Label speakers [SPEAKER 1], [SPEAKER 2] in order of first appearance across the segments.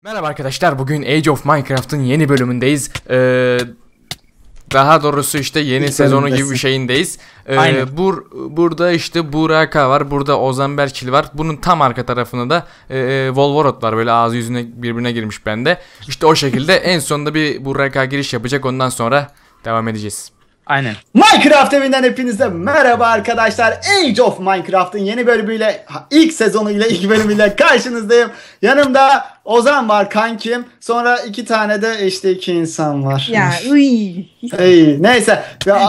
[SPEAKER 1] Merhaba arkadaşlar, bugün Age of Minecraft'ın yeni bölümündeyiz. Daha doğrusu işte yeni sezonu gibi bir şeyindeyiz. Burada işte Buraka var, burada Ozan Berkil var. Bunun tam arka tarafında da Volvorot var, böyle ağzı yüzüne birbirine girmiş bende. İşte o şekilde en sonunda bir Buraka giriş yapacak, ondan sonra devam edeceğiz.
[SPEAKER 2] Aynen.
[SPEAKER 3] Minecraft evinden hepinize merhaba arkadaşlar. Age of Minecraft'ın yeni bölümüyle, ilk sezonuyla, ilk bölümüyle karşınızdayım. Yanımda Ozan var, kankim. Sonra iki tane de işte iki insan var.
[SPEAKER 4] Ya
[SPEAKER 3] Neyse.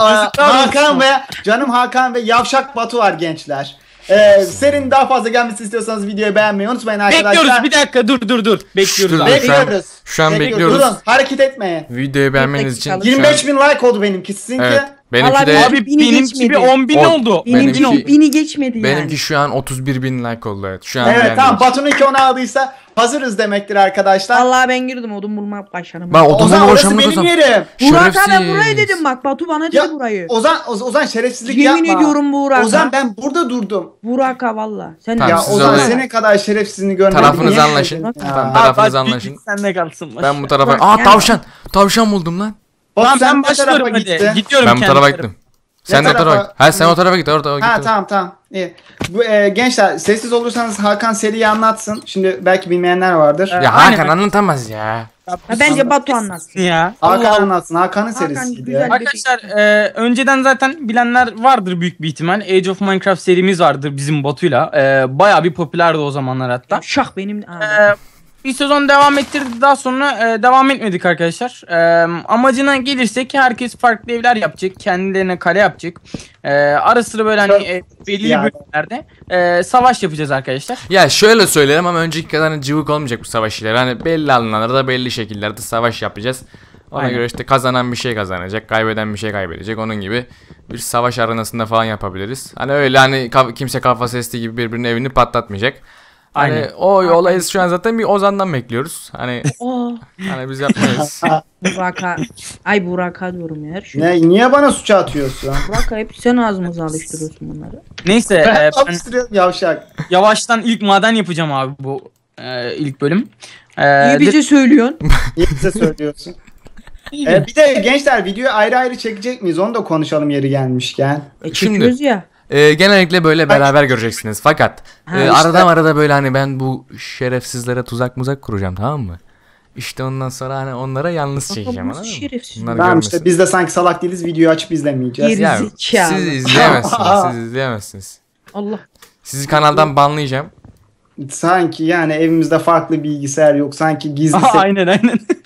[SPEAKER 3] Hakan ve Yavşak Batu var gençler. Serinin daha fazla gelmesini istiyorsanız videoyu beğenmeyi unutmayın arkadaşlar.
[SPEAKER 2] Bekliyoruz, bir dakika dur. Bekliyoruz abi.
[SPEAKER 3] Bekliyoruz.
[SPEAKER 1] Şu an bekliyoruz.
[SPEAKER 3] Durun, hareket etmeyin.
[SPEAKER 1] Videoyu beğenmeniz için.
[SPEAKER 3] 25.000 like oldu benimki, sizinki.
[SPEAKER 1] Evet. Benimki
[SPEAKER 4] Vallahi
[SPEAKER 1] de
[SPEAKER 2] Abi
[SPEAKER 4] Bini
[SPEAKER 2] benimki
[SPEAKER 4] geçmedi.
[SPEAKER 2] bir 10.000 oldu.
[SPEAKER 4] Bini geçmedi yani.
[SPEAKER 1] benimki şu an 31.000 like oldu, evet. Şu an
[SPEAKER 3] Evet,
[SPEAKER 1] yani.
[SPEAKER 3] tamam, Batu'nunki onu aldıysa hazırız demektir arkadaşlar.
[SPEAKER 4] Vallahi ben girdim odun bulmak başladım.
[SPEAKER 1] Bak odunla
[SPEAKER 3] Ozan, orası
[SPEAKER 1] uğraşamaz
[SPEAKER 3] benim
[SPEAKER 1] Ozan.
[SPEAKER 3] yerim.
[SPEAKER 4] Burak ben
[SPEAKER 1] Şerefsiz.
[SPEAKER 4] burayı dedim, bak Batu bana dedi
[SPEAKER 3] Ya,
[SPEAKER 4] burayı.
[SPEAKER 3] Ozan şerefsizlik
[SPEAKER 4] Yemin
[SPEAKER 3] yapma.
[SPEAKER 4] ediyorum Burak.
[SPEAKER 3] Ozan, ben burada durdum.
[SPEAKER 4] Burak valla. Sen
[SPEAKER 1] Tamam,
[SPEAKER 3] Ya
[SPEAKER 1] siz
[SPEAKER 3] Ozan,
[SPEAKER 1] oraya-
[SPEAKER 3] senin kadar şerefsizliğini görmedim.
[SPEAKER 1] Tarafınızı
[SPEAKER 3] Yemin
[SPEAKER 1] anlaşın.
[SPEAKER 3] ederim ya.
[SPEAKER 1] Tamam, tarafınızı anlaşın.
[SPEAKER 2] Sen de kalsın.
[SPEAKER 1] Ben bu tarafa...
[SPEAKER 4] Bak,
[SPEAKER 1] Aa,
[SPEAKER 4] yani-
[SPEAKER 1] tavşan buldum lan.
[SPEAKER 3] Batu,
[SPEAKER 2] Tamam
[SPEAKER 3] sen
[SPEAKER 2] ben
[SPEAKER 3] ne tarafa
[SPEAKER 2] başlıyorum hadi.
[SPEAKER 3] gittin?
[SPEAKER 2] Gidiyorum
[SPEAKER 1] Ben bu
[SPEAKER 2] kendi
[SPEAKER 1] tarafa
[SPEAKER 2] tarafa.
[SPEAKER 1] gittim. Sen de o
[SPEAKER 3] tarafa?
[SPEAKER 1] tarafa. Ha, sen o tarafa git, orada
[SPEAKER 3] Ha,
[SPEAKER 1] git.
[SPEAKER 3] tamam. İyi. Bu, gençler, sessiz olursanız Hakan seriyi anlatsın. Şimdi belki bilmeyenler vardır.
[SPEAKER 1] Ya
[SPEAKER 2] Aynen.
[SPEAKER 1] Hakan anlatamaz ya.
[SPEAKER 4] Ha, bence Batu anlatsın.
[SPEAKER 2] Ya.
[SPEAKER 3] Hakan
[SPEAKER 2] Allah.
[SPEAKER 3] anlatsın. Hakan'ın
[SPEAKER 4] Hakan
[SPEAKER 3] serisiydi.
[SPEAKER 4] güzel.
[SPEAKER 2] Arkadaşlar önceden zaten bilenler vardır büyük bir ihtimal. Age of Minecraft serimiz vardır bizim Batu'yla. Bayağı bir popülerdi o zamanlar hatta.
[SPEAKER 4] Şah benim.
[SPEAKER 2] Bir sezon devam ettirdik, daha sonra devam etmedik arkadaşlar. Amacına gelirsek herkes farklı evler yapacak. Kendilerine kale yapacak. Ara sıra böyle hani belli
[SPEAKER 3] Yani.
[SPEAKER 2] bölümlerde savaş yapacağız arkadaşlar.
[SPEAKER 1] Ya şöyle söyleyelim ama önceki kadar hani cıvık olmayacak bu savaş işleri. Hani belli alanlarda belli şekillerde savaş yapacağız. Ona
[SPEAKER 2] Aynen.
[SPEAKER 1] göre işte kazanan bir şey kazanacak, kaybeden bir şey kaybedecek. Onun gibi bir savaş arenasında falan yapabiliriz. Hani öyle hani kimse kafa sesli gibi birbirinin evini patlatmayacak. Hani
[SPEAKER 2] Aynen.
[SPEAKER 1] o olayı şu an zaten bir Ozan'dan bekliyoruz. Hani
[SPEAKER 4] Oh,
[SPEAKER 1] hani biz yapmayız.
[SPEAKER 4] Burak'a. Ay Burak'a diyorum ya her şey.
[SPEAKER 3] Niye bana suça atıyorsun?
[SPEAKER 4] Burak'a hep sen ağzımıza alıştırıyorsun bunları.
[SPEAKER 2] Neyse
[SPEAKER 3] Ben
[SPEAKER 2] ben
[SPEAKER 3] alıştırıyorum yavşak.
[SPEAKER 2] yavaştan ilk maden yapacağım abi bu ilk bölüm.
[SPEAKER 4] İyi bize söylüyorsun.
[SPEAKER 3] Niye bize söylüyorsun? Bir de gençler, videoyu ayrı ayrı çekecek miyiz? Onu da konuşalım yeri gelmişken.
[SPEAKER 4] Çekiyoruz ya.
[SPEAKER 1] Genellikle böyle beraber göreceksiniz. Fakat
[SPEAKER 4] Ha,
[SPEAKER 1] arada böyle hani ben bu şerefsizlere tuzak kuracağım, tamam mı? İşte ondan sonra hani onlara yalnız çekeceğim,
[SPEAKER 4] Nasıl
[SPEAKER 1] anladın mı?
[SPEAKER 4] şerefsiz?
[SPEAKER 1] Bunlar
[SPEAKER 3] Tamam,
[SPEAKER 1] görmesin.
[SPEAKER 3] işte biz de sanki salak değiliz, videoyu açıp izlemeyeceğiz.
[SPEAKER 4] Geri-
[SPEAKER 1] Ya,
[SPEAKER 4] Zekalı.
[SPEAKER 1] siz izleyemezsiniz. Siz izleyemezsiniz.
[SPEAKER 4] Allah.
[SPEAKER 1] Sizi kanaldan banlayacağım.
[SPEAKER 3] Sanki yani evimizde farklı bilgisayar yok. Sanki gizli
[SPEAKER 2] aynen.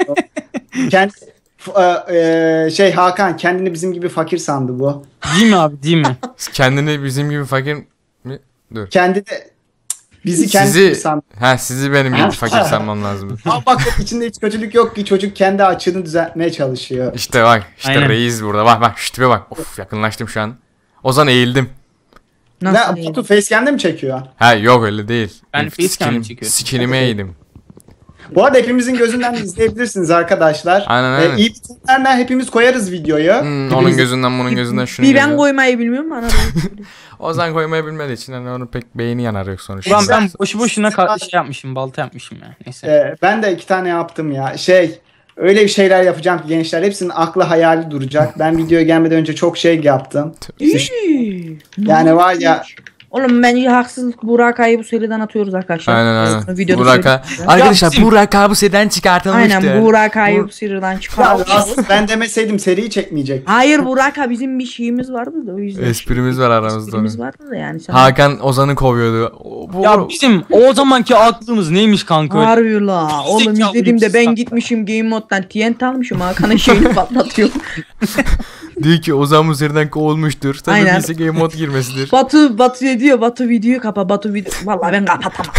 [SPEAKER 3] Hakan kendini bizim gibi fakir sandı bu.
[SPEAKER 2] Değil mi abi, değil mi?
[SPEAKER 1] Kendini bizim gibi fakir mi? Dur.
[SPEAKER 3] Kendi de bizi kendi gibi sandı.
[SPEAKER 1] Sizi benim gibi fakir sanmam lazım.
[SPEAKER 3] Ama bak, içinde hiç kötülük yok ki, çocuk kendi açığını düzeltmeye çalışıyor.
[SPEAKER 1] İşte bak, işte
[SPEAKER 2] Aynen.
[SPEAKER 1] reis burada. Bak şu tipe bak. Of, yakınlaştım şu an. Ozan eğildim.
[SPEAKER 4] Nasıl
[SPEAKER 3] Ne,
[SPEAKER 4] değil?
[SPEAKER 3] Batu facecam'de mi çekiyor?
[SPEAKER 1] Ha yok, öyle değil.
[SPEAKER 2] Ben facecam çekiyorum.
[SPEAKER 1] Skinime eğildim.
[SPEAKER 3] Bu arada hepimizin gözünden de izleyebilirsiniz arkadaşlar.
[SPEAKER 1] Aynen.
[SPEAKER 3] İyi bitenlerle hepimiz koyarız videoyu.
[SPEAKER 1] Onun gözünden bunun gözünden şunu
[SPEAKER 4] Bir ben
[SPEAKER 1] gözünden.
[SPEAKER 4] koymayı bilmiyorum bana.
[SPEAKER 1] Ozan koymayı bilmediği için hani onun pek beyni yanar yok sonuçta.
[SPEAKER 2] Ulan ben boşu boşuna şey yapmışım, balta yapmışım ya. Neyse.
[SPEAKER 3] Ben de 2 tane yaptım ya. Öyle bir şeyler yapacağım ki gençler, hepsinin aklı hayali duracak. Ben videoya gelmeden önce çok şey yaptım. Yani var ya.
[SPEAKER 4] Oğlum bence haksızlık, Burak'a'yı bu seriden atıyoruz arkadaşlar.
[SPEAKER 1] Aynen.
[SPEAKER 4] Videoda
[SPEAKER 1] Buraka.
[SPEAKER 4] söyleyeyim.
[SPEAKER 1] Arkadaşlar
[SPEAKER 2] bizim-
[SPEAKER 1] Buraka bu seden çıkartılmıştır.
[SPEAKER 4] Aynen Burak'a'yı bu seriden
[SPEAKER 3] Ya
[SPEAKER 4] çıkardık.
[SPEAKER 3] aslında ben demeseydim seriyi çekmeyecektim.
[SPEAKER 4] Hayır Burak'a bizim bir şeyimiz vardı da o yüzden.
[SPEAKER 1] Esprimiz var aramızda.
[SPEAKER 4] Esprimiz vardı da yani. Sen
[SPEAKER 1] Hakan Ozan'ı kovuyordu.
[SPEAKER 2] Ya bizim o zamanki aklımız neymiş kanka?
[SPEAKER 4] harbi la. Oğlum
[SPEAKER 2] Zekalı
[SPEAKER 4] izlediğimde
[SPEAKER 2] bir
[SPEAKER 4] ben
[SPEAKER 2] insan.
[SPEAKER 4] gitmişim Game Mode'dan TNT almışım. Hakan'ın şeyini patlatıyorum.
[SPEAKER 1] Diyor ki Ozan bu seriden kovulmuştur. Tabii
[SPEAKER 4] Aynen.
[SPEAKER 1] bilse game mod girmesidir.
[SPEAKER 4] Batu ne diyor? Batu videoyu kapa. Batu video. Vallahi ben kapatamam.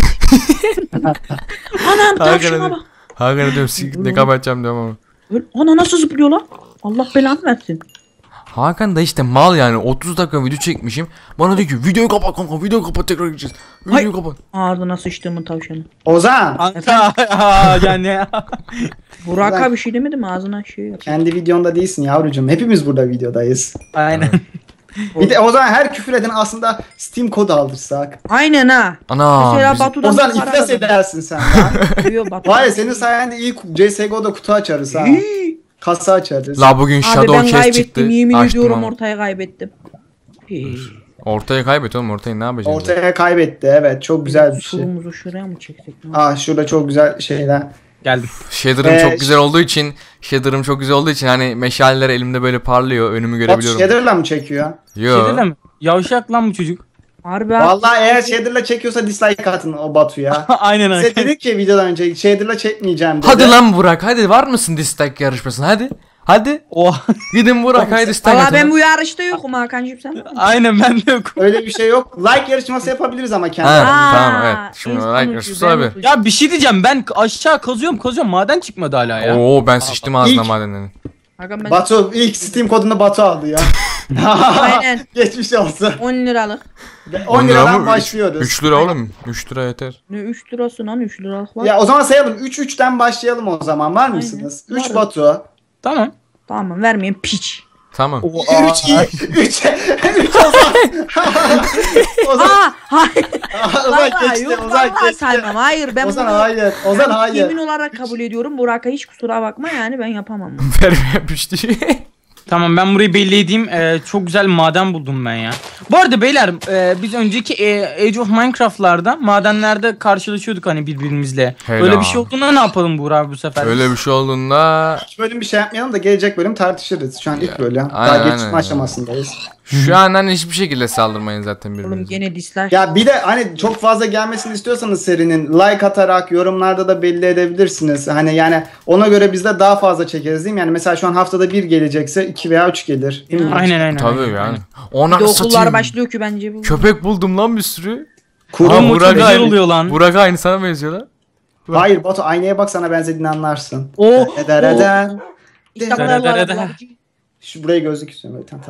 [SPEAKER 4] Anam tavşana bak.
[SPEAKER 1] Hakan'a diyorum ne kapatacağım diyorum ama.
[SPEAKER 4] Ana nasıl zıplıyor lan? Allah belanı versin.
[SPEAKER 1] Hakan da işte mal yani, 30 dakika video çekmişim. Bana diyor ki videoyu kapat kanka, videoyu kapat, tekrar gideceğiz. Videoyu kapat.
[SPEAKER 4] Ağzına sıçtığımın tavşanı.
[SPEAKER 3] Ozan,
[SPEAKER 2] Kanka yani.
[SPEAKER 4] Burak'a bir şey demedim, ağzına şey yap.
[SPEAKER 3] kendi videonda değilsin yavrucuğum. Hepimiz burada videodayız.
[SPEAKER 2] Aynen.
[SPEAKER 3] Bir de o zaman her küfür eden aslında Steam kodu aldırsak.
[SPEAKER 4] Aynen ha.
[SPEAKER 1] Ana.
[SPEAKER 4] Mesela Batu'dan
[SPEAKER 3] O zaman
[SPEAKER 4] bir para
[SPEAKER 3] iflas
[SPEAKER 4] kazandım.
[SPEAKER 3] edersin sen lan.
[SPEAKER 4] Diyor Batu.
[SPEAKER 3] Var ya senin sayende iyi CSGO'da kutu açarız ha. Kasa açarız.
[SPEAKER 1] La bugün
[SPEAKER 4] Abi
[SPEAKER 1] Shadow
[SPEAKER 4] ben
[SPEAKER 1] Case
[SPEAKER 4] kaybettim.
[SPEAKER 1] çıktı.
[SPEAKER 4] Yemin
[SPEAKER 1] Açtım
[SPEAKER 4] ediyorum
[SPEAKER 1] ama.
[SPEAKER 4] ortaya kaybettim.
[SPEAKER 1] Ortaya kaybet oğlum, ortayı ne yapacaksın?
[SPEAKER 3] Ortaya kaybetti, evet, çok güzel bir şey.
[SPEAKER 4] Surumuzu şuraya mı çeksek?
[SPEAKER 3] Şurada çok güzel şeyler.
[SPEAKER 2] Geldim.
[SPEAKER 1] Shader'ım çok güzel olduğu için hani meşaleler elimde böyle parlıyor, önümü
[SPEAKER 3] Bot
[SPEAKER 1] görebiliyorum.
[SPEAKER 3] shader'la mı çekiyor?
[SPEAKER 1] Yo.
[SPEAKER 2] Şeyde mi? Yavşak lan bu çocuk.
[SPEAKER 4] Harbi abi.
[SPEAKER 3] Vallahi eğer shader'la çekiyorsa dislike atın o Batu'ya.
[SPEAKER 2] Aynen
[SPEAKER 3] Size
[SPEAKER 2] aynen.
[SPEAKER 3] dedik ki videodan önce shader'la çekmeyeceğim dedi.
[SPEAKER 1] Hadi lan Burak, hadi var mısın dislike yarışmasına, hadi. Hadi.
[SPEAKER 2] Oha.
[SPEAKER 1] Gidin Burak, hadi dislike
[SPEAKER 4] Valla
[SPEAKER 1] atın.
[SPEAKER 4] ben bu yarışta yokum Hakan'cığım sen var mısın?
[SPEAKER 2] Aynen ben de yok.
[SPEAKER 3] Öyle bir şey yok. Like yarışması yapabiliriz ama kendi
[SPEAKER 1] Ha,
[SPEAKER 3] aramızda.
[SPEAKER 1] tamam, evet. Şimdi
[SPEAKER 4] biz
[SPEAKER 1] like
[SPEAKER 4] konuşuyoruz,
[SPEAKER 1] yarışması
[SPEAKER 4] ben
[SPEAKER 1] abi.
[SPEAKER 4] konuşuyorum.
[SPEAKER 2] Ya bir şey diyeceğim, ben aşağı kazıyorum maden çıkmadı hala ya.
[SPEAKER 1] Oo, ben sıçtım ağzına
[SPEAKER 3] İlk-
[SPEAKER 1] madenden.
[SPEAKER 4] Hakan ben
[SPEAKER 3] Batu ilk Steam kodunu Batu aldı ya.
[SPEAKER 4] Aynen.
[SPEAKER 3] Geçmiş olsun.
[SPEAKER 4] 10 liralık.
[SPEAKER 3] 10 liradan başlıyoruz.
[SPEAKER 1] 3 lira oğlum. 3 lira yeter.
[SPEAKER 4] Ne 3 lirası lan 3 liralık var.
[SPEAKER 3] Ya o zaman sayalım. 3-3'ten başlayalım o zaman. Var mısınız?
[SPEAKER 4] Aynen.
[SPEAKER 3] 3
[SPEAKER 4] Varım.
[SPEAKER 3] Batu.
[SPEAKER 2] Tamam.
[SPEAKER 4] Tamam vermeyin piç.
[SPEAKER 1] Tamam.
[SPEAKER 3] 3 iyi. 3 Ozan. Ozan.
[SPEAKER 4] Hayır.
[SPEAKER 3] Ozan
[SPEAKER 4] Vallahi
[SPEAKER 3] geçti.
[SPEAKER 4] yok
[SPEAKER 3] Ozan
[SPEAKER 4] vallahi
[SPEAKER 3] geçti.
[SPEAKER 4] saymam. Hayır ben
[SPEAKER 3] Ozan
[SPEAKER 4] bunu
[SPEAKER 3] hayır. Ozan
[SPEAKER 4] ben
[SPEAKER 3] hayır.
[SPEAKER 4] yemin olarak kabul ediyorum. Burak'a hiç kusura bakma yani ben yapamam.
[SPEAKER 1] Vermeye pişti.
[SPEAKER 2] Tamam ben burayı belli edeyim. Çok güzel maden buldum ben ya. Bu arada beyler biz önceki Age of Minecraft'larda madenlerde karşılaşıyorduk hani birbirimizle.
[SPEAKER 1] Helal.
[SPEAKER 2] Öyle bir şey olduğunda ne yapalım Buğra bu sefer?
[SPEAKER 1] Öyle bir şey olduğunda
[SPEAKER 3] İlk bölüm bir şey yapmayalım da gelecek bölüm tartışırız. Şu an ilk bölüm.
[SPEAKER 1] aynen,
[SPEAKER 3] Daha geçme
[SPEAKER 1] aynen.
[SPEAKER 3] aşamasındayız.
[SPEAKER 1] şu an hani hiçbir şekilde saldırmayın zaten
[SPEAKER 4] Oğlum
[SPEAKER 1] birbirinize.
[SPEAKER 4] gene dislike.
[SPEAKER 3] Ya bir de hani çok fazla gelmesini istiyorsanız serinin like atarak yorumlarda da belli edebilirsiniz. Hani yani ona göre biz de daha fazla çekeriz değil mi? Yani mesela şu an haftada bir gelecekse 2 veya 3 gelir. Değil mi?
[SPEAKER 2] Aynen.
[SPEAKER 1] Tabii
[SPEAKER 2] aynen.
[SPEAKER 1] yani.
[SPEAKER 4] Bir
[SPEAKER 1] Ona
[SPEAKER 4] de okullar
[SPEAKER 1] satayım.
[SPEAKER 4] başlıyor ki bence bu.
[SPEAKER 1] Köpek buldum lan bir sürü.
[SPEAKER 3] Kurum
[SPEAKER 1] Aa,
[SPEAKER 2] Oğlum, o
[SPEAKER 1] Burak
[SPEAKER 2] çok güzel
[SPEAKER 1] aynı.
[SPEAKER 2] oluyor lan.
[SPEAKER 1] Burak aynı sana benziyor lan.
[SPEAKER 3] Hayır Batu aynaya bak sana benzediğini anlarsın.
[SPEAKER 2] Oo,
[SPEAKER 3] Eden.
[SPEAKER 4] İşte
[SPEAKER 2] Dere, dere,
[SPEAKER 4] buralar-
[SPEAKER 2] dere.
[SPEAKER 3] Şu buraya gözlük istiyorum. Tamam.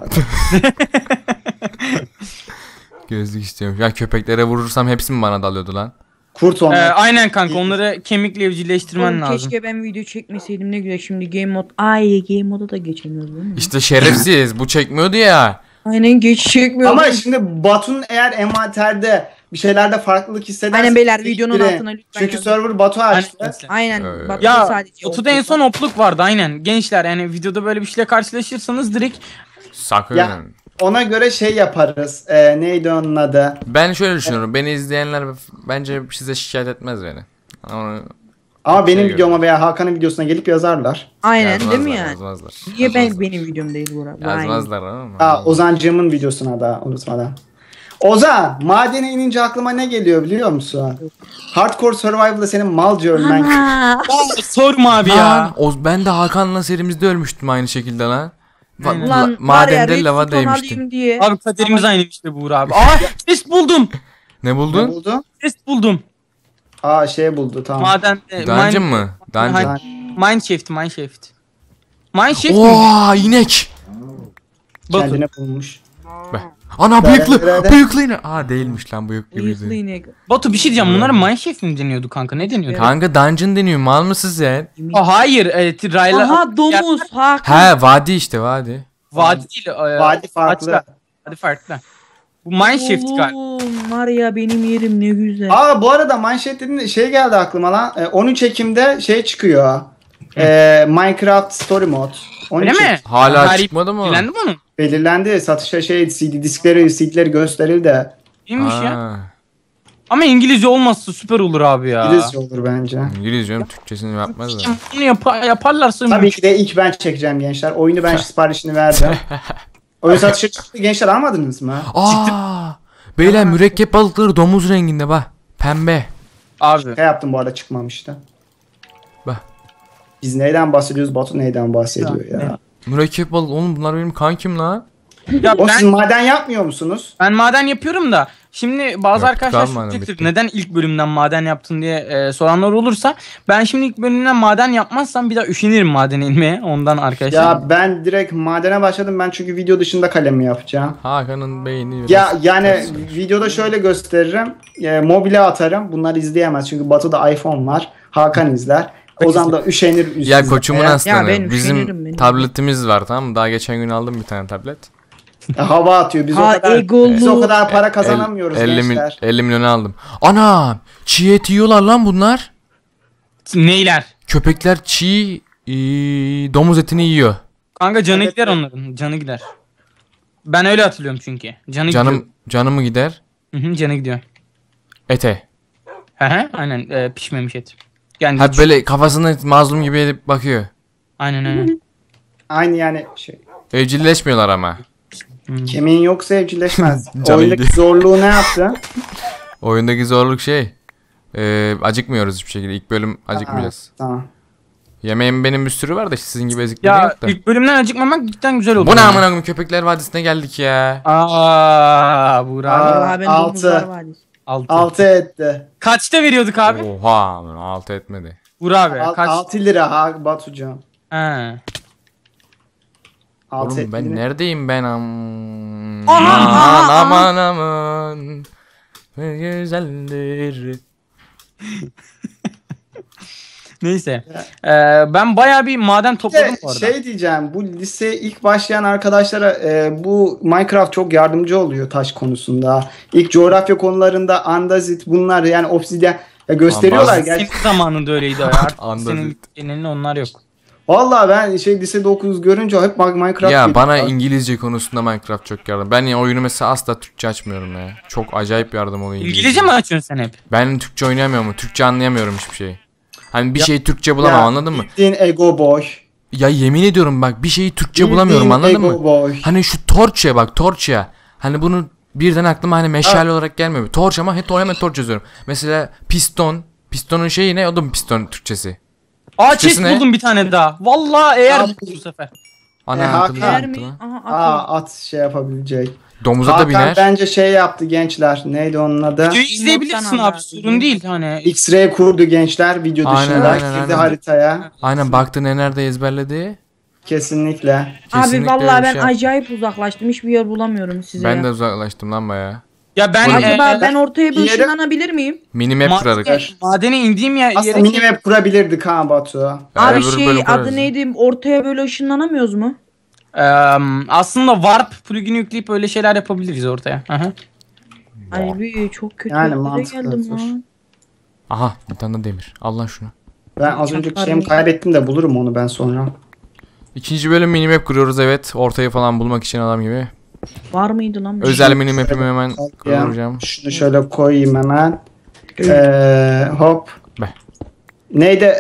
[SPEAKER 1] Gözlük istiyorum. Ya köpeklere vurursam hepsi mi bana dalıyordu lan?
[SPEAKER 3] Kurt onlar.
[SPEAKER 2] Aynen kanka onları kemikle evcilleştirmen
[SPEAKER 4] Oğlum
[SPEAKER 2] lazım.
[SPEAKER 4] keşke ben video çekmeseydim ne güzel şimdi game mod. Ay game moda da geçemiyoruz değil mi?
[SPEAKER 1] İşte şerefsiz. Bu çekmiyordu ya.
[SPEAKER 4] Aynen geç çekmiyor.
[SPEAKER 3] Ama şimdi Batu'nun eğer envanterde bir şeylerde farklılık hissederse...
[SPEAKER 4] Aynen beyler, videonun
[SPEAKER 3] biri-
[SPEAKER 4] altına lütfen
[SPEAKER 3] Çünkü
[SPEAKER 4] yazın.
[SPEAKER 3] server Batu açtı.
[SPEAKER 4] Aynen. Bak
[SPEAKER 2] Ya
[SPEAKER 4] sadece
[SPEAKER 2] Otu'da en son opluk vardı aynen. Gençler yani videoda böyle bir şeyle karşılaşırsanız direkt
[SPEAKER 1] Sakın.
[SPEAKER 3] Ya ona göre şey yaparız. Neydi onun adı?
[SPEAKER 1] Ben şöyle düşünüyorum. Beni izleyenler bence size şikayet etmez beni. Onu
[SPEAKER 3] Ama benim
[SPEAKER 1] Şey
[SPEAKER 3] videoma veya Hakan'ın videosuna gelip yazarlar.
[SPEAKER 4] Aynen değil mi
[SPEAKER 1] yazmazlar,
[SPEAKER 4] yani?
[SPEAKER 1] Yazmazlar.
[SPEAKER 4] Niye
[SPEAKER 1] Yazmazlar.
[SPEAKER 4] benim videom değil Burak? Aynen.
[SPEAKER 1] Yazmazlar ama.
[SPEAKER 3] Ozancığımın videosuna da unutmadan. Ozan, madene inince aklıma ne geliyor biliyor musun? Hardcore Survival'da senin malca ölmen.
[SPEAKER 4] Aa,
[SPEAKER 2] sorma abi ya.
[SPEAKER 1] Lan, ben de Hakan'la serimizde ölmüştüm aynı şekilde lan.
[SPEAKER 2] Aynen.
[SPEAKER 4] Ulan var ya
[SPEAKER 1] Madende lava
[SPEAKER 4] redstone
[SPEAKER 1] değmiştim.
[SPEAKER 4] alayım diye.
[SPEAKER 2] Abi kaderimiz aynı işte Buğra abi. Aa chest buldum.
[SPEAKER 1] Ne
[SPEAKER 3] Ne
[SPEAKER 1] buldun?
[SPEAKER 3] buldu?
[SPEAKER 2] Chest buldum.
[SPEAKER 3] Şey buldu tamam.
[SPEAKER 2] Maden.
[SPEAKER 1] Dungeon mı? Dungeon.
[SPEAKER 2] Mineshaft. Mineshaft mi?
[SPEAKER 1] Ooo inek.
[SPEAKER 2] Bakın.
[SPEAKER 3] Kendine bulmuş.
[SPEAKER 1] Ana bıyıklı.
[SPEAKER 3] Nerede?
[SPEAKER 1] Bıyıklı inek. Aa değilmiş lan bıyık
[SPEAKER 4] Bıyıklı
[SPEAKER 1] gibiydi.
[SPEAKER 4] inek.
[SPEAKER 2] Batu bir şey diyeceğim. Bunlara Mineshaft mi deniyordu kanka? Ne deniyordu?
[SPEAKER 1] Kanka dungeon deniyor. Mal mısın sen?
[SPEAKER 2] Hayır. Rayla.
[SPEAKER 4] Aha domuz. Hakan.
[SPEAKER 1] He vadi işte vadi.
[SPEAKER 2] Vadi değil.
[SPEAKER 3] Vadi farklı.
[SPEAKER 2] Açlar. Vadi farklı. Bu Mineshaft galiba.
[SPEAKER 4] Oğlum var ya benim yerim ne güzel.
[SPEAKER 3] Bu arada manşet dediğinde şey geldi aklıma lan. 13 Ekim'de şey çıkıyor. Minecraft Story Mode. 13
[SPEAKER 2] Öyle mi?
[SPEAKER 3] Ekim
[SPEAKER 1] Hala
[SPEAKER 2] Tarih
[SPEAKER 1] çıkmadı mı?
[SPEAKER 2] Bilendi mi onun?
[SPEAKER 3] belirlendi. Satışa CD'leri gösterildi.
[SPEAKER 2] İyiymiş ya.
[SPEAKER 1] Aa,
[SPEAKER 2] Ama İngilizce olmazsa süper olur abi ya.
[SPEAKER 3] İngilizce olur bence.
[SPEAKER 1] İngilizce Türkçesini yapmazlar.
[SPEAKER 2] Bunu yaparlarsa
[SPEAKER 3] Tabii ki de ilk ben çekeceğim gençler. Oyunu ben siparişini verdim. Oyun satışa çıktı gençler almadınız mı?
[SPEAKER 1] Aa, beyler mürekkep balıkları domuz renginde bak. Pembe.
[SPEAKER 2] Abi.
[SPEAKER 3] Ne yaptım bu arada çıkmamıştı.
[SPEAKER 1] Bak.
[SPEAKER 3] Biz neyden bahsediyoruz? Batu neyden bahsediyor ya?
[SPEAKER 1] Mürekkep balık oğlum bunlar benim kankim la.
[SPEAKER 2] Ya
[SPEAKER 3] O siz
[SPEAKER 2] ben,
[SPEAKER 3] maden yapmıyor musunuz?
[SPEAKER 2] ben maden yapıyorum da şimdi bazı
[SPEAKER 1] Yok,
[SPEAKER 2] arkadaşlar
[SPEAKER 1] kalmadı,
[SPEAKER 2] soracaktır
[SPEAKER 1] bitti.
[SPEAKER 2] neden ilk bölümden maden yaptın diye soranlar olursa ben şimdi ilk bölümden maden yapmazsam bir daha üşenirim madene inmeye ondan arkadaşlar.
[SPEAKER 3] Ya ben direkt madene başladım. Ben çünkü video dışında kalemi yapacağım.
[SPEAKER 1] Hakan'ın beyni biraz
[SPEAKER 3] Ya yani
[SPEAKER 1] ters.
[SPEAKER 3] videoda şöyle gösteririm. Mobile atarım. Bunlar izleyemez. Çünkü Batu'da iPhone var. Hakan izler. Ozan da üşenir.
[SPEAKER 1] Ya koçumun
[SPEAKER 3] izlemeye.
[SPEAKER 1] aslanı.
[SPEAKER 4] ben
[SPEAKER 1] Bizim
[SPEAKER 4] üşenirim benim.
[SPEAKER 1] tabletimiz var tamam mı? Daha geçen gün aldım bir tane tablet.
[SPEAKER 3] Hava atıyor. Biz
[SPEAKER 4] Ha,
[SPEAKER 3] biz o
[SPEAKER 4] egolu.
[SPEAKER 3] kadar para kazanamıyoruz
[SPEAKER 1] 50
[SPEAKER 3] gençler.
[SPEAKER 1] milyonu aldım. Ana! Çiğ et yiyorlar lan bunlar.
[SPEAKER 2] Neyler?
[SPEAKER 1] Köpekler çiğ domuz etini yiyor.
[SPEAKER 2] Kanka canı
[SPEAKER 3] Evet,
[SPEAKER 2] gider
[SPEAKER 3] evet.
[SPEAKER 2] onların. Canı gider. Ben öyle hatırlıyorum çünkü. Canı gidiyor.
[SPEAKER 1] Canımı gider.
[SPEAKER 2] Hı, canı gidiyor.
[SPEAKER 1] Ete.
[SPEAKER 2] He aynen pişmemiş et. Yani
[SPEAKER 1] Ha böyle kafasını mazlum gibi edip bakıyor.
[SPEAKER 2] aynen.
[SPEAKER 3] Aynı yani şey.
[SPEAKER 1] Evcilleşmiyorlar ama.
[SPEAKER 3] Kemiğin yoksa evcilleşmez.
[SPEAKER 1] Canı
[SPEAKER 3] Oyundaki
[SPEAKER 1] gidiyor.
[SPEAKER 3] zorluğu ne yaptı?
[SPEAKER 1] Oyundaki zorluk şey. Acıkmıyoruz hiçbir şekilde. İlk bölüm acıkmayacağız.
[SPEAKER 3] Tamam.
[SPEAKER 1] Yemeğim benim bir sürü var da sizin gibi ezikleri
[SPEAKER 2] Ya
[SPEAKER 1] yok da.
[SPEAKER 2] ilk bölümden acıkmamak cidden güzel oldu.
[SPEAKER 1] Bu ne amına koyayım, Köpekler Vadisi'ne geldik ya.
[SPEAKER 2] Burak.
[SPEAKER 4] Vallahi ben
[SPEAKER 3] Altı.
[SPEAKER 4] domuzlar vadisi.
[SPEAKER 2] 6.
[SPEAKER 3] 6 etti.
[SPEAKER 2] Kaçta veriyorduk abi?
[SPEAKER 1] Oha amına, altı etmedi.
[SPEAKER 2] Burak abi kaç?
[SPEAKER 3] 6 lira ha Batucan.
[SPEAKER 2] He.
[SPEAKER 3] 6
[SPEAKER 1] Oğlum ben neredeyim ben
[SPEAKER 4] Aha,
[SPEAKER 1] aman. Ne güzeldir.
[SPEAKER 2] Neyse. Ben bayağı bir maden topladım bu arada.
[SPEAKER 3] Şey diyeceğim, bu liseye ilk başlayan arkadaşlara bu Minecraft çok yardımcı oluyor taş konusunda. İlk coğrafya konularında andazit bunlar yani obsidyen gösteriyorlar.
[SPEAKER 1] Andazit.
[SPEAKER 3] Gerçi
[SPEAKER 2] Senin zamanında öyleydi artık.
[SPEAKER 1] Andazit.
[SPEAKER 2] Senin genelinde onlar yok.
[SPEAKER 3] vallahi ben lisede 9 görünce hep Minecraft
[SPEAKER 1] Ya
[SPEAKER 3] dedim.
[SPEAKER 1] bana İngilizce konusunda Minecraft çok yardım. Ben ya oyunu mesela asla Türkçe açmıyorum ya. Çok acayip yardım oluyor
[SPEAKER 2] İngilizce mi açıyorsun sen hep?
[SPEAKER 1] Ben Türkçe oynayamıyorum. Türkçe anlayamıyorum hiçbir şeyi. Hani bir şeyi Türkçe bulamam,
[SPEAKER 3] Ya,
[SPEAKER 1] anladın mı?
[SPEAKER 3] Bildiğin ego boy.
[SPEAKER 1] Ya yemin ediyorum bak, bir şeyi Türkçe bulamıyorum,
[SPEAKER 3] Bildiğin
[SPEAKER 1] anladın
[SPEAKER 3] ego
[SPEAKER 1] mı?
[SPEAKER 3] boy.
[SPEAKER 1] Hani şu torçya bak, torçya. Hani bunu birden aklıma hani meşale olarak gelmiyor. Torç ama hemen torç yazıyorum. Mesela piston. Pistonun şeyi ne? O da mı piston Türkçesi?
[SPEAKER 2] Chest
[SPEAKER 1] Türkçesi ne?
[SPEAKER 2] buldum bir tane daha. Vallahi eğer
[SPEAKER 3] Abi.
[SPEAKER 2] bu sefer.
[SPEAKER 1] Ana
[SPEAKER 3] Hakan.
[SPEAKER 1] akıllı
[SPEAKER 4] Yer
[SPEAKER 1] yaptı
[SPEAKER 4] mi?
[SPEAKER 1] lan.
[SPEAKER 4] Aha atıyor.
[SPEAKER 3] At şey yapabilecek.
[SPEAKER 1] Domuza da
[SPEAKER 3] Hakan
[SPEAKER 1] biner.
[SPEAKER 3] bence şey yaptı gençler. Neydi onun adı?
[SPEAKER 2] Videoyu izleyebilirsin
[SPEAKER 4] Nottan
[SPEAKER 2] abi.
[SPEAKER 4] al
[SPEAKER 2] Sorun değil hani.
[SPEAKER 3] X-ray kurdu gençler video
[SPEAKER 1] Aynen,
[SPEAKER 3] dışında.
[SPEAKER 1] aynen,
[SPEAKER 3] Girdi
[SPEAKER 1] aynen.
[SPEAKER 3] haritaya.
[SPEAKER 1] Aynen, baktı ne nerede ezberledi.
[SPEAKER 3] Kesinlikle.
[SPEAKER 4] Abi
[SPEAKER 1] Kesinlikle
[SPEAKER 4] vallahi
[SPEAKER 1] öyle bir
[SPEAKER 4] ben
[SPEAKER 1] şey yap-
[SPEAKER 4] acayip uzaklaştım. Hiçbir yer bulamıyorum size
[SPEAKER 1] Ben
[SPEAKER 4] ya.
[SPEAKER 1] de uzaklaştım lan baya.
[SPEAKER 2] Ya ben
[SPEAKER 4] Acaba ben ortaya bir
[SPEAKER 3] yere-
[SPEAKER 4] ışınlanabilir miyim?
[SPEAKER 1] Minimap kurarız.
[SPEAKER 2] madene indiğim yere
[SPEAKER 3] Aslında minimap kurabilirdik ha Batu.
[SPEAKER 4] Abi
[SPEAKER 1] öbür
[SPEAKER 4] şey
[SPEAKER 1] bölüm kurarız.
[SPEAKER 4] adı neydi? Ortaya böyle ışınlanamıyoruz mu?
[SPEAKER 2] aslında warp plugin'i yükleyip öyle şeyler yapabiliriz ortaya. Aha.
[SPEAKER 4] Ay bir çok kötü
[SPEAKER 3] Yani
[SPEAKER 4] yere
[SPEAKER 3] mantıklı,
[SPEAKER 4] geldim
[SPEAKER 3] hoş.
[SPEAKER 4] lan.
[SPEAKER 1] Aha, bir tane de demir. Al lan şunu.
[SPEAKER 3] Ben az önceki
[SPEAKER 4] Çatlar
[SPEAKER 3] şeyimi
[SPEAKER 4] mı?
[SPEAKER 3] kaybettim de bulurum onu ben sonra.
[SPEAKER 1] İkinci bölüm minimap kuruyoruz, evet. Ortayı falan bulmak için adam gibi.
[SPEAKER 4] Var mıydı lan? bir şey?
[SPEAKER 1] Özel minimap'imi hemen
[SPEAKER 3] Ya,
[SPEAKER 1] kuracağım.
[SPEAKER 3] şunu şöyle koyayım hemen. Hop.
[SPEAKER 1] Be.
[SPEAKER 3] Neydi?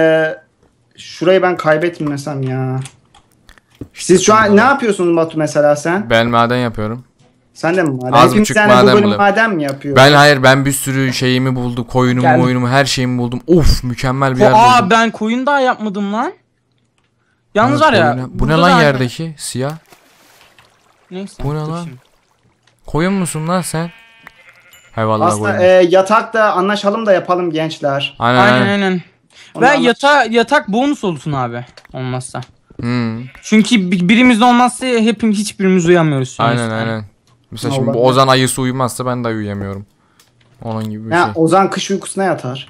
[SPEAKER 3] Şurayı ben kaybetmesem ya. Siz şu an ne yapıyorsunuz Batu mesela sen?
[SPEAKER 1] Ben maden yapıyorum.
[SPEAKER 3] Sen de mi maden?
[SPEAKER 1] Az
[SPEAKER 3] Hepimiz
[SPEAKER 1] buçuk
[SPEAKER 3] yani bu
[SPEAKER 1] maden
[SPEAKER 3] bölüm
[SPEAKER 1] buluyorum.
[SPEAKER 3] maden mi yapıyor?
[SPEAKER 1] Ben bir sürü şeyimi buldum. Koyunumu,
[SPEAKER 2] Gel.
[SPEAKER 1] oyunumu, her şeyimi buldum. Of, mükemmel bir yer buldum.
[SPEAKER 2] Ben koyun daha yapmadım lan. Yalnız var ya.
[SPEAKER 1] Bu ne
[SPEAKER 2] burada
[SPEAKER 1] lan
[SPEAKER 2] da-
[SPEAKER 1] yerdeki? Siyah.
[SPEAKER 2] Neyse.
[SPEAKER 1] Bu ne
[SPEAKER 2] dur
[SPEAKER 1] lan?
[SPEAKER 2] şimdi.
[SPEAKER 1] Koyun musun lan sen? He vallahi
[SPEAKER 3] Aslında
[SPEAKER 1] koyun.
[SPEAKER 3] yatakta anlaşalım da yapalım gençler.
[SPEAKER 2] Aynen. Ve
[SPEAKER 3] Ondan-
[SPEAKER 2] yatak bonus olsun abi. Olmazsa.
[SPEAKER 1] Hmm.
[SPEAKER 2] Çünkü birimiz de olmazsa hiçbirimiz uyamıyoruz. şu an
[SPEAKER 1] Aynen
[SPEAKER 2] işte.
[SPEAKER 1] aynen. Mesela şimdi bu
[SPEAKER 3] Olabilir.
[SPEAKER 1] Ozan ayısı uyumazsa ben de uyuyamıyorum. Onun gibi bir
[SPEAKER 3] Ya
[SPEAKER 1] şey.
[SPEAKER 3] Ozan kış uykusuna yatar.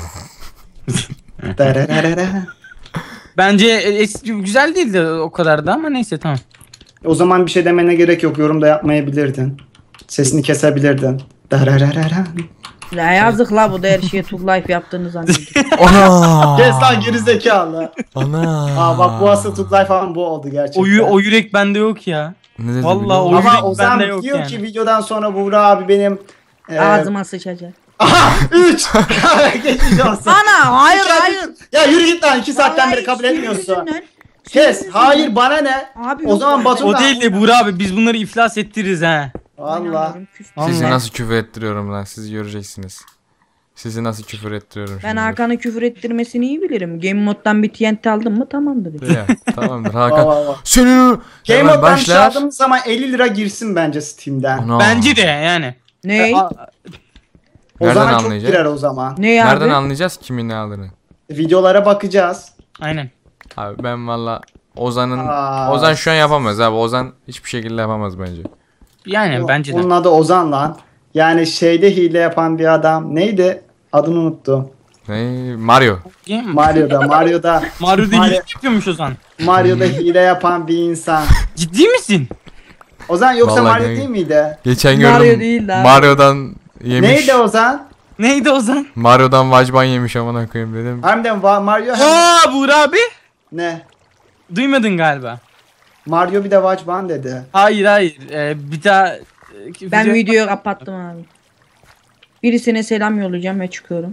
[SPEAKER 3] Dererere.
[SPEAKER 2] Bence güzel değildi o kadar da ama neyse tamam.
[SPEAKER 3] O zaman bir şey demene gerek yok. Yorum da yapmayabilirdin. Sesini kesebilirdin. Dererere.
[SPEAKER 4] Ya yazık la bu da her şeye Tug Life yaptığını zannediyor.
[SPEAKER 1] Ana!
[SPEAKER 3] Kes lan gerizekalı.
[SPEAKER 1] Ana!
[SPEAKER 3] Aa bak bu aslında Tutlay falan bu oldu gerçekten.
[SPEAKER 2] O yürek bende yok ya.
[SPEAKER 1] Ne dedi
[SPEAKER 2] Vallahi
[SPEAKER 1] biliyor musun?
[SPEAKER 2] o
[SPEAKER 3] Ama
[SPEAKER 2] yürek
[SPEAKER 3] Ozan
[SPEAKER 2] bende yok
[SPEAKER 3] diyor
[SPEAKER 2] yani.
[SPEAKER 3] ki videodan sonra Buğra abi benim
[SPEAKER 4] Ağzıma sıçacak.
[SPEAKER 3] 3 geçmiş olsun.
[SPEAKER 4] Ana hayır
[SPEAKER 3] İki-
[SPEAKER 4] hayır.
[SPEAKER 3] Ya yürü git lan 2 saatten beri
[SPEAKER 4] Hayır,
[SPEAKER 3] kabul
[SPEAKER 4] senin
[SPEAKER 3] etmiyorsun.
[SPEAKER 4] yüzünden.
[SPEAKER 3] Kes.
[SPEAKER 4] Senin
[SPEAKER 3] Hayır
[SPEAKER 4] yüzünden.
[SPEAKER 3] bana ne?
[SPEAKER 4] Abi
[SPEAKER 3] O
[SPEAKER 4] yok
[SPEAKER 3] zaman
[SPEAKER 4] öyle.
[SPEAKER 3] Batu
[SPEAKER 2] O
[SPEAKER 3] da-
[SPEAKER 2] değil de Buğra abi biz bunları iflas ettiririz ha.
[SPEAKER 3] Valla.
[SPEAKER 4] Oynamıyorum, küstüm.
[SPEAKER 1] Sizi
[SPEAKER 2] Vallahi.
[SPEAKER 1] nasıl küfür ettiriyorum lan, siz göreceksiniz. Sizi nasıl küfür ettiriyorum
[SPEAKER 4] Ben
[SPEAKER 1] şimdi.
[SPEAKER 4] Hakan'ı küfür ettirmesini iyi bilirim. Game moddan bir TNT aldım mı tamamdır.
[SPEAKER 1] Ya, tamamdır
[SPEAKER 3] Va,
[SPEAKER 1] Hakan.
[SPEAKER 3] va, va.
[SPEAKER 1] Senin
[SPEAKER 3] Game
[SPEAKER 1] hemen
[SPEAKER 3] Mode'dan bir şey
[SPEAKER 1] başlar.
[SPEAKER 3] aldığımız zaman 50 lira girsin bence Steam'den.
[SPEAKER 1] Ana.
[SPEAKER 2] Bence de yani.
[SPEAKER 4] Ne?
[SPEAKER 3] O
[SPEAKER 1] Nereden
[SPEAKER 3] zaman çok
[SPEAKER 1] anlayacağız?
[SPEAKER 3] girer o zaman.
[SPEAKER 4] Ne abi?
[SPEAKER 1] Nereden anlayacağız kimin ne aldığını?
[SPEAKER 3] Videolara bakacağız.
[SPEAKER 2] Aynen.
[SPEAKER 1] Abi ben valla Ozan'ın
[SPEAKER 3] Aa.
[SPEAKER 1] Ozan şu an yapamaz abi. Ozan hiçbir şekilde yapamaz bence.
[SPEAKER 2] Yani bence de.
[SPEAKER 3] Onun adı Ozan lan. Yani şeyde hile yapan bir adam. Neydi? Adını unuttum.
[SPEAKER 1] Ne? Mario.
[SPEAKER 3] Mario'da
[SPEAKER 2] Mario'da
[SPEAKER 3] Mario-
[SPEAKER 2] hile yapıyormuş o zaman.
[SPEAKER 3] Mario'da hile yapan bir insan.
[SPEAKER 2] Ciddi misin?
[SPEAKER 3] Ozan yoksa
[SPEAKER 1] Vallahi
[SPEAKER 3] Mario
[SPEAKER 1] ne-
[SPEAKER 3] değil miydi?
[SPEAKER 1] Geçen
[SPEAKER 4] Mario
[SPEAKER 1] gördüm.
[SPEAKER 4] değil lan.
[SPEAKER 1] Mario'dan yemiş.
[SPEAKER 3] Neydi Ozan?
[SPEAKER 2] Neydi Ozan?
[SPEAKER 1] Mario'dan vacban yemiş amına koyayım dedim.
[SPEAKER 3] Harbiden Mario
[SPEAKER 2] Aa Buğra abi.
[SPEAKER 3] ne?
[SPEAKER 2] Duymadın galiba.
[SPEAKER 3] Mario bir de Vajban dedi.
[SPEAKER 2] Hayır. Bir daha
[SPEAKER 4] Ben videoyu kapattım abi. Birisine selam yollayacağım ve çıkıyorum.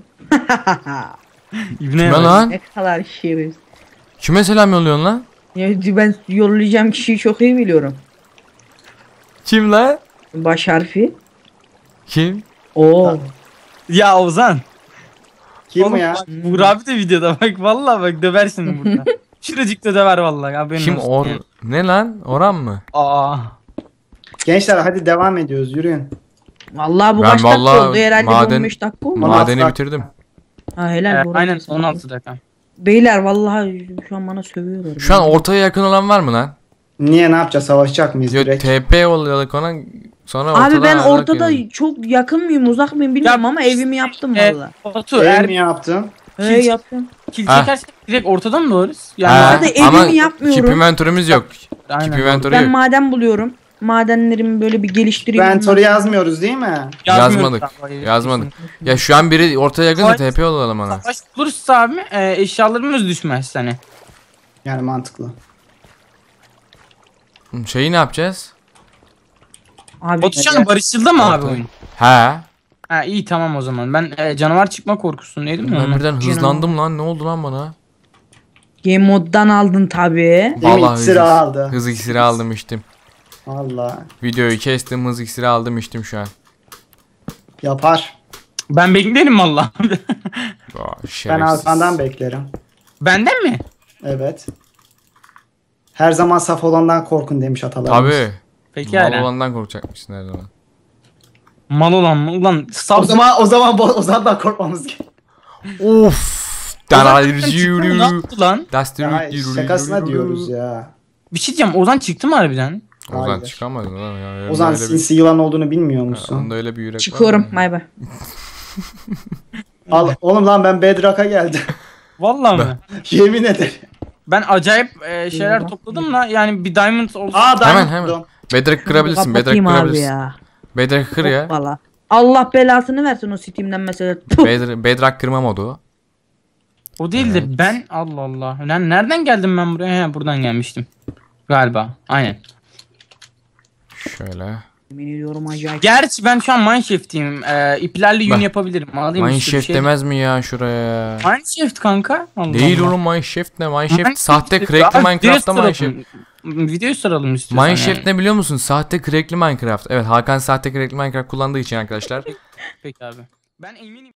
[SPEAKER 1] Kime lan?
[SPEAKER 4] Ne kadar şerif.
[SPEAKER 1] Kime selam yolluyorsun lan?
[SPEAKER 4] Ya ben yollayacağım kişiyi çok iyi biliyorum.
[SPEAKER 1] Kim lan?
[SPEAKER 4] Baş harfi.
[SPEAKER 1] Kim?
[SPEAKER 4] Oo.
[SPEAKER 2] Ya Ozan.
[SPEAKER 3] Kim
[SPEAKER 2] Oğlum,
[SPEAKER 3] ya?
[SPEAKER 2] bak, Buğra abi de videoda bak vallahi bak döversin burada. Şuracıkta döver vallahi haberin
[SPEAKER 1] Kim
[SPEAKER 2] olsun
[SPEAKER 1] Or?
[SPEAKER 2] yani.
[SPEAKER 1] Ne lan? Orhan mı?
[SPEAKER 2] Aa.
[SPEAKER 3] Gençler hadi devam ediyoruz yürüyün.
[SPEAKER 4] Vallahi bu
[SPEAKER 1] Ben
[SPEAKER 4] kaç dakika
[SPEAKER 1] vallahi
[SPEAKER 4] oldu herhalde
[SPEAKER 1] maden-
[SPEAKER 4] 15 dakika oldu.
[SPEAKER 3] Maden-
[SPEAKER 1] Madeni
[SPEAKER 3] dakika.
[SPEAKER 1] bitirdim.
[SPEAKER 4] Ha helal bu
[SPEAKER 2] Aynen
[SPEAKER 4] arada.
[SPEAKER 2] 16 dakika.
[SPEAKER 4] Beyler vallahi şu an bana sövüyorlar.
[SPEAKER 1] Şu an ortaya yakın olan var mı lan?
[SPEAKER 3] Niye ne yapacağız? Savaşacak mıyız
[SPEAKER 1] Yok
[SPEAKER 3] direkt?
[SPEAKER 1] TP yolladık ona sonra ortada
[SPEAKER 4] Abi ben
[SPEAKER 1] ayrılık
[SPEAKER 4] ortada
[SPEAKER 1] yani.
[SPEAKER 4] çok yakın mıyım uzak mıyım bilmiyorum ama evimi yaptım valla.
[SPEAKER 2] Batu
[SPEAKER 3] Eğer
[SPEAKER 2] eğer
[SPEAKER 3] mi yaptın?
[SPEAKER 4] He yaptım.
[SPEAKER 2] kill
[SPEAKER 1] Ha.
[SPEAKER 2] çekersen direkt ortadan mı doğarız? Yani
[SPEAKER 1] Ha,
[SPEAKER 4] Zaten evimi
[SPEAKER 1] ama
[SPEAKER 4] yapmıyorum.
[SPEAKER 1] Keep inventory'miz yok.
[SPEAKER 2] aynen.
[SPEAKER 1] Keep inventory
[SPEAKER 4] Ben
[SPEAKER 1] yok.
[SPEAKER 4] maden buluyorum. Madenlerimi böyle bir geliştireyim.
[SPEAKER 3] Inventory yazmıyoruz değil mi?
[SPEAKER 1] Yazmadık.
[SPEAKER 2] Yazmıyoruz.
[SPEAKER 1] Yazmadık. Ya şu an biri ortaya yakınsa
[SPEAKER 2] Hayır.
[SPEAKER 1] TP yollayalım ona.
[SPEAKER 2] Savaş olursa abi eşyalarımız düşmez hani.
[SPEAKER 3] Yani mantıklı.
[SPEAKER 1] Şeyi ne yapacağız?
[SPEAKER 4] Abi
[SPEAKER 2] Batu şu an barışıldı mı abi oyun?
[SPEAKER 1] He.
[SPEAKER 2] Ha iyi tamam o zaman. Ben canavar çıkma korkusundaydım ya.
[SPEAKER 1] Ben
[SPEAKER 2] ondan.
[SPEAKER 1] birden hızlandım lan. Ne oldu lan bana?
[SPEAKER 4] game moddan aldın tabi.
[SPEAKER 3] Değil mi?
[SPEAKER 1] Vallahi
[SPEAKER 3] İksiri aldı.
[SPEAKER 1] Hız iksiri aldım içtim.
[SPEAKER 3] Valla.
[SPEAKER 1] Videoyu kestim, hız iksiri aldım içtim şu an.
[SPEAKER 3] Yapar.
[SPEAKER 2] Ben beklerim valla.
[SPEAKER 1] Aa,
[SPEAKER 3] Ben
[SPEAKER 1] şerefsiz.
[SPEAKER 3] Hakan'dan beklerim.
[SPEAKER 2] Benden mi?
[SPEAKER 3] Evet. Her zaman saf olandan korkun demiş atalarımız.
[SPEAKER 1] Tabii.
[SPEAKER 2] Peki
[SPEAKER 1] Mal
[SPEAKER 2] hala.
[SPEAKER 1] olandan korkacakmışsın her zaman.
[SPEAKER 2] Mal olan mı? Ulan sab
[SPEAKER 3] Ozan'dan korkmamız gerekiyor.
[SPEAKER 1] Of.
[SPEAKER 2] Ozan çıktı mı? Ne yaptı lan?
[SPEAKER 3] Ya, şakasına diyoruz ya.
[SPEAKER 2] Bir şey diyeceğim. Ozan çıktı mı harbiden?
[SPEAKER 1] Ozan
[SPEAKER 3] Hayır.
[SPEAKER 1] çıkamadı lan ya.
[SPEAKER 3] Ozan
[SPEAKER 1] Öyle bir-
[SPEAKER 3] sinsi yılan olduğunu bilmiyor musun?
[SPEAKER 1] Onda öyle bir yürek var
[SPEAKER 4] Çıkıyorum.
[SPEAKER 1] mı?
[SPEAKER 4] Bay bay.
[SPEAKER 3] Al, oğlum lan ben Bedrock'a geldim.
[SPEAKER 2] Vallahi mı?
[SPEAKER 3] Yemin ederim.
[SPEAKER 2] Ben acayip şeyler topladım da yani bir diamond olsun.
[SPEAKER 3] Aa
[SPEAKER 1] Hemen,
[SPEAKER 3] Diamond buldum.
[SPEAKER 1] Bedrock kırabilirsin. Bedrock
[SPEAKER 4] Kapatayım abi
[SPEAKER 1] kırabilirsin.
[SPEAKER 4] ya.
[SPEAKER 1] Bedrock kır ya.
[SPEAKER 4] Valla. Allah belasını versin o Steam'den mesela.
[SPEAKER 1] Bedrock kırma modu.
[SPEAKER 2] O değil de ben Allah Allah. Lan nereden geldim ben buraya? He buradan gelmiştim. Galiba. Aynen.
[SPEAKER 1] Şöyle.
[SPEAKER 4] Yemin ediyorum acayip.
[SPEAKER 2] Gerçi ben şu an mineshaft'iyim. İplerle yün
[SPEAKER 1] Bak.
[SPEAKER 2] yapabilirim. Alayım işte bir
[SPEAKER 1] Mineshaft
[SPEAKER 2] şey.
[SPEAKER 1] demez mi ya şuraya?
[SPEAKER 2] Mineshaft kanka. Allah
[SPEAKER 1] Değil
[SPEAKER 2] Allah.
[SPEAKER 1] oğlum Mineshaft ne? Mineshaft
[SPEAKER 2] Mineshaft
[SPEAKER 1] sahte
[SPEAKER 2] işte.
[SPEAKER 1] crackli
[SPEAKER 2] Abi,
[SPEAKER 1] Minecraft'ta
[SPEAKER 2] video
[SPEAKER 1] Mineshaft.
[SPEAKER 2] soralım. Video soralım istiyorsan
[SPEAKER 1] Mineshaft
[SPEAKER 2] yani.
[SPEAKER 1] ne biliyor musun? Sahte crackli Minecraft. Evet Hakan sahte crackli Minecraft kullandığı için arkadaşlar.
[SPEAKER 2] Peki abi. Ben eminim.